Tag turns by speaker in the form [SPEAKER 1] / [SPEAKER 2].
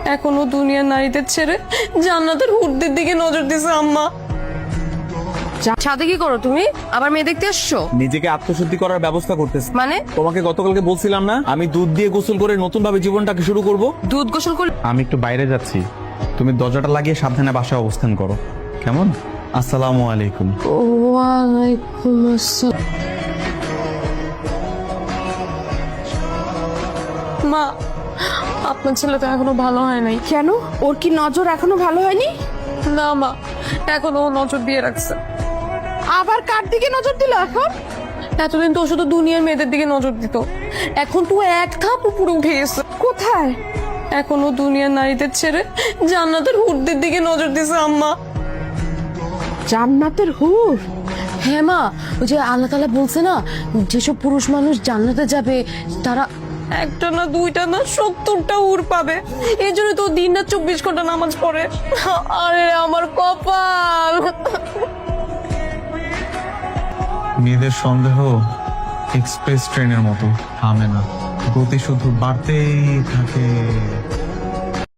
[SPEAKER 1] এখনো দুনিয়ার নারীদের ছেড়ে জান্নাতের হুরদের দিকে নজর দিছে আম্মা। ছাদে কি করো তুমি? আবার মেয়ে দেখতে আসছো?
[SPEAKER 2] নিজেকে আত্মশুদ্ধি করার ব্যবস্থা করতেছি।
[SPEAKER 1] মানে
[SPEAKER 2] তোমাকে গতকালকে বলছিলাম না আমি দুধ দিয়ে গোসল করে নতুন ভাবে জীবনটাকে শুরু করব।
[SPEAKER 1] দুধ গোসল করলে?
[SPEAKER 2] আমি একটু বাইরে যাচ্ছি, তুমি দরজাটা লাগিয়ে সাবধানে বাসায় অবস্থান করো, কেমন? আসসালামু আলাইকুম।
[SPEAKER 1] ওয়ালাইকুম আসসালাম। মা, আপনার ছেলে তো এখনো ভালো হয় নাই।
[SPEAKER 3] কেন? ওর কি নজর এখনো ভালো হয়নি?
[SPEAKER 1] না মা, এখনো ও নজর দিয়ে রাখছে।
[SPEAKER 3] আবার কার দিকে নজর দিল এখন?
[SPEAKER 1] এতদিন তো ও শুধু দুনিয়ার মেয়েদের দিকে নজর দিত, এখন তো এক ধাপ উপরে উঠে গেছে।
[SPEAKER 3] কোথায়?
[SPEAKER 1] এখনো দুনিয়ার নারীদের ছেড়ে জান্নাতের হুরদের দিকে নজর দিছে আম্মা।
[SPEAKER 3] জান্নাতের হুর?
[SPEAKER 1] হ্যাঁ মা, ওই যে আল্লাহ তাআলা বলছে না, যেসব পুরুষ মানুষ জান্নাতে যাবে তারা একটা না দুইটা না 70টা হুর পাবে। এই জন্য তো দিন রাত 24 ঘন্টা নামাজ পড়ে। আরে আমার কপাল।
[SPEAKER 2] মেয়েদের সন্দেহ এক্সপ্রেস ট্রেনের মতো থামে না, গতি শুধু বাড়তেই থাকে।